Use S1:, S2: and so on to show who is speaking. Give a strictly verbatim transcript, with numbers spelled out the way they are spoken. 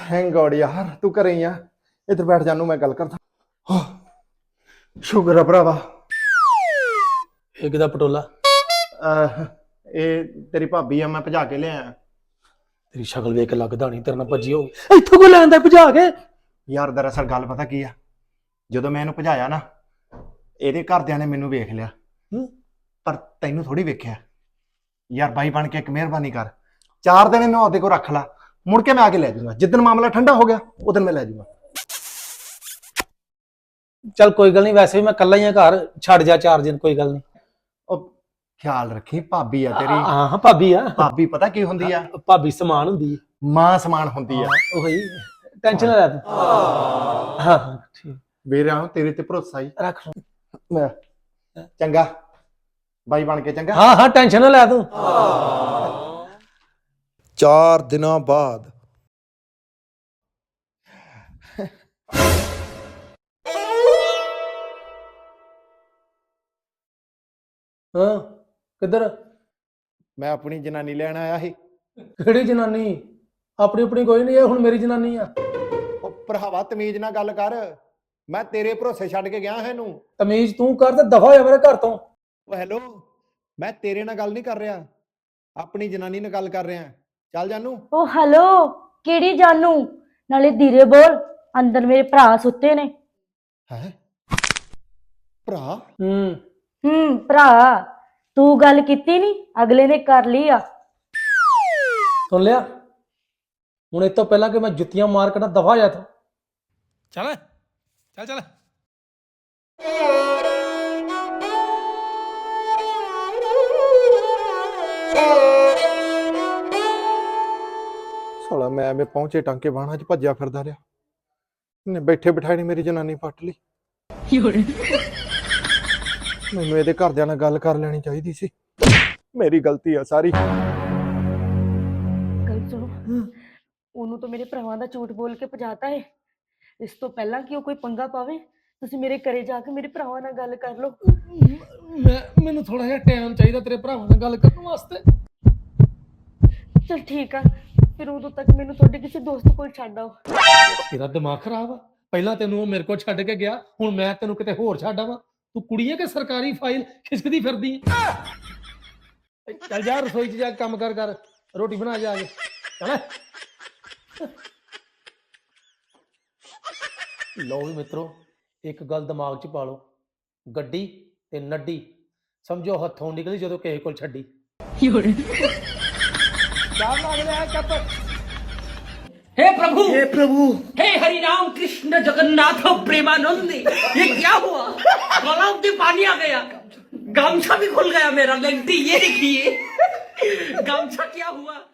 S1: Thank God यार तू घरे ही आ। इधर बैठ जानू मैं गल करदा। शुगर है भरावा।
S2: ਇਹ ਕਿਹਦਾ ਪਟੋਲਾ?
S1: ਇਹ ਤੇਰੀ ਭਾਬੀ ਆ, ਮੈਂ ਭਜਾ ਕੇ ਲਿਆਇਆ।
S2: ਤੇਰੀ ਸ਼ਕਲ ਵੇਖ ਕੇ ਲੱਗਦਾ ਨਹੀਂ ਤੇਰੇ ਨਾਲ ਭੱਜੀ ਹੋਗੀ। ਇੱਥੋਂ ਕੋ ਲੈਂਦਾ ਭਜਾ ਕੇ?
S1: ਯਾਰ ਦਰਅਸਲ ਗੱਲ ਪਤਾ ਕੀ ਆ, ਜਦੋਂ ਮੈਂ ਇਹਨੂੰ ਭਜਾਇਆ ਨਾ ਇਹਦੇ ਘਰਦਿਆਂ ਨੇ ਮੈਨੂੰ ਵੇਖ ਲਿਆ, ਪਰ ਤੈਨੂੰ ਥੋੜੀ ਵੇਖਿਆ। ਯਾਰ ਬਾਈ ਬਣ ਕੇ ਇੱਕ ਮਿਹਰਬਾਨੀ ਕਰ, ਚਾਰ ਦਿਨ ਇਹਨੂੰ ਆਪਦੇ ਕੋਲ ਰੱਖ ਲਾ, ਮੁੜ ਕੇ ਮੈਂ ਆ ਕੇ ਲੈ ਜਾਊਂਗਾ। ਜਿੱਦਣ ਮਾਮਲਾ ਠੰਡਾ ਹੋ ਗਿਆ ਉਦੋਂ ਮੈਂ ਲੈ ਜਾਊਂਗਾ।
S2: ਚੱਲ ਕੋਈ ਗੱਲ ਨਹੀਂ, ਵੈਸੇ ਵੀ ਮੈਂ ਇਕੱਲਾ ਹੀ ਆ ਘਰ, ਛੱਡ ਜਾ ਚਾਰ ਦਿਨ, ਕੋਈ ਗੱਲ ਨਹੀਂ।
S1: ਉਹ ਖਿਆਲ ਰੱਖੀ, ਭਾਬੀ ਆ ਤੇਰੀ।
S2: ਹਾਂ ਹਾਂ ਭਾਬੀ ਆ।
S1: ਭਾਬੀ ਪਤਾ ਕੀ ਹੁੰਦੀ ਆ?
S2: ਭਾਬੀ ਸਮਾਨ ਹੁੰਦੀ ਹੈ,
S1: ਮਾਂ ਸਮਾਨ ਹੁੰਦੀ ਆ।
S2: ਉਹੀ ਟੈਨਸ਼ਨ ਨਾ ਲੈ ਤੂੰ। ਹਾਂ ਹਾਂ ਠੀਕ
S1: ਵੀਰਾਂ ਤੇਰੇ ਤੇ ਭਰੋਸਾ ਹੀ
S2: ਰੱਖ।
S1: ਮੈਂ ਚੰਗਾ ਬਾਈ ਬਣ ਕੇ ਚੰਗਾ।
S2: ਹਾਂ ਹਾਂ ਟੈਨਸ਼ਨ ਨਾ ਲੈ ਤੂੰ।
S1: ਚਾਰ ਦਿਨਾਂ ਬਾਅਦ
S2: ਹਾਂ ਕਿੱਧਰ?
S1: ਮੈਂ ਆਪਣੀ ਜਨਾਨੀ ਲੈਣ ਆਇਆ ਸੀ।
S2: ਕਿਹੜੀ ਜਨਾਨੀ? ਆਪਣੀ ਆਪਣੀ ਕੋਈ ਨਹੀਂ, ਇਹ ਹੁਣ ਮੇਰੀ ਜਨਾਨੀ ਆ।
S1: ਉਹ ਭਰਾਵਾ ਤਮੀਜ਼ ਨਾਲ ਗੱਲ ਕਰ, ਮੈਂ ਤੇਰੇ ਭਰੋਸੇ ਛੱਡ ਕੇ ਗਿਆ ਇਹਨੂੰ।
S2: ਤਮੀਜ਼ ਤੂੰ ਕਰ ਤੇ ਦਫਾ ਹੋਇਆ ਮੇਰੇ ਘਰ ਤੋਂ।
S1: ਉਹ ਹੈਲੋ, ਮੈਂ ਤੇਰੇ ਨਾਲ ਗੱਲ ਨਹੀਂ ਕਰ ਰਿਹਾ, ਆਪਣੀ ਜਨਾਨੀ ਨਾਲ ਗੱਲ ਕਰ ਰਿਹਾ। ਚੱਲ ਜਾਨੂ।
S3: ਉਹ ਹੈਲੋ, ਕਿਹੜੀ ਜਾਨੂ? ਨਾਲੇ ਧੀਰੇ ਬੋਲ, ਅੰਦਰ ਮੇਰੇ ਭਰਾ ਸੁੱਤੇ ਨੇ।
S1: ਹੈ ਭਰਾ?
S2: ਹੂੰ
S3: ਹੂੰ ਭਰਾ, ਤੂੰ ਗੱਲ ਕੀਤੀ ਨਹੀਂ, ਅਗਲੇ ਨੇ ਕਰ ਲਈ ਆ।
S2: ਸੁਣ ਲਿਆ? ਹੁਣ ਇਹ ਤੋਂ ਪਹਿਲਾਂ ਕਿ ਮੈਂ ਜੁੱਤੀਆਂ ਮਾਰ ਕੇ ਨਾ ਦਫਾ ਜਾ ਤੂੰ। ਚੱਲ ਚੱਲ ਚੱਲ।
S1: ਸਾਲਾ ਮੈਂ ਐਵੇਂ ਪਹੁੰਚੇ ਟਾਂਕੇ ਬਾਣਾ ਚ ਭੱਜਿਆ ਫਿਰਦਾ ਰਿਹਾ, ਨੇ ਬੈਠੇ ਬਿਠਾਏ ਨੇ ਮੇਰੀ ਜਨਾਨੀ ਪੱਟ ਲਈ। ਮੈਨੂੰ ਇਹਦੇ ਘਰਦਿਆਂ ਨਾਲ ਗੱਲ ਕਰ ਲੈਣੀ ਚਾਹੀਦੀ ਸੀ, ਮੇਰੀ ਗਲਤੀ ਆ ਸਾਰੀ।
S3: ਗੱਲ ਸੁਣੋ, ਉਹਨੂੰ ਤਾਂ ਮੇਰੇ ਭਰਾਵਾਂ ਦਾ ਝੂਠ ਬੋਲ ਕੇ ਭਜਾਤਾ ਹੈ। ਇਸ ਤੋਂ ਪਹਿਲਾਂ ਕਿ ਉਹ ਕੋਈ ਪੰਗਾ ਪਾਵੇ, ਤੁਸੀਂ ਮੇਰੇ ਘਰੇ ਜਾ ਕੇ ਮੇਰੇ ਭਰਾਵਾਂ ਨਾਲ ਗੱਲ ਕਰ ਲਓ।
S2: ਮੈਂ ਮੈਨੂੰ ਥੋੜਾ ਜਿਹਾ ਟਾਈਮ ਚਾਹੀਦਾ ਤੇਰੇ ਭਰਾਵਾਂ ਨਾਲ ਗੱਲ ਕਰਨ ਵਾਸਤੇ।
S3: ਚਲ ਠੀਕ ਆ, ਫਿਰ ਉਦੋਂ ਤੱਕ ਮੈਨੂੰ ਤੁਹਾਡੇ ਕਿਸੇ ਦੋਸਤ ਕੋਲ ਛੱਡ ਆਓ।
S2: ਤੇਰਾ ਦਿਮਾਗ ਖਰਾਬ ਆ? ਪਹਿਲਾਂ ਤੈਨੂੰ ਉਹ ਮੇਰੇ ਕੋਲ ਛੱਡ ਕੇ ਗਿਆ, ਹੁਣ ਮੈਂ ਤੈਨੂੰ ਕਿਤੇ ਹੋਰ ਛੱਡ ਆਵਾਂ? ਤੂੰ ਕੁੜੀ ਹੈ ਕਿ ਸਰਕਾਰੀ ਫਾਈਲ ਖਿਸਕਦੀ ਫਿਰਦੀ? ਚੱਲ ਜਾ ਰਸੋਈ 'ਚ ਜਾ ਕੇ ਕੰਮ ਕਰ ਕਰ, ਰੋਟੀ ਬਣਾ ਜਾ ਕੇ। ਚੱਲ। ਲਓ ਵੀ ਮਿੱਤਰੋ, ਇੱਕ ਗੱਲ ਦਿਮਾਗ 'ਚ ਪਾ ਲਓ, ਗੱਡੀ ਤੇ ਨੱਡੀ ਸਮਝੋ ਹੱਥੋਂ ਨਿਕਲੀ ਜਦੋਂ ਕਿਸੇ ਕੋਲ ਛੱਡੀ।
S4: हे प्रभु हे प्रभु हे हरि राम कृष्ण जगन्नाथ प्रेमानंद, ये क्या हुआ? गलाव में पानी आ गया, गामछा भी खुल गया मेरा। लेंटी ये देखिए, गामछा क्या हुआ?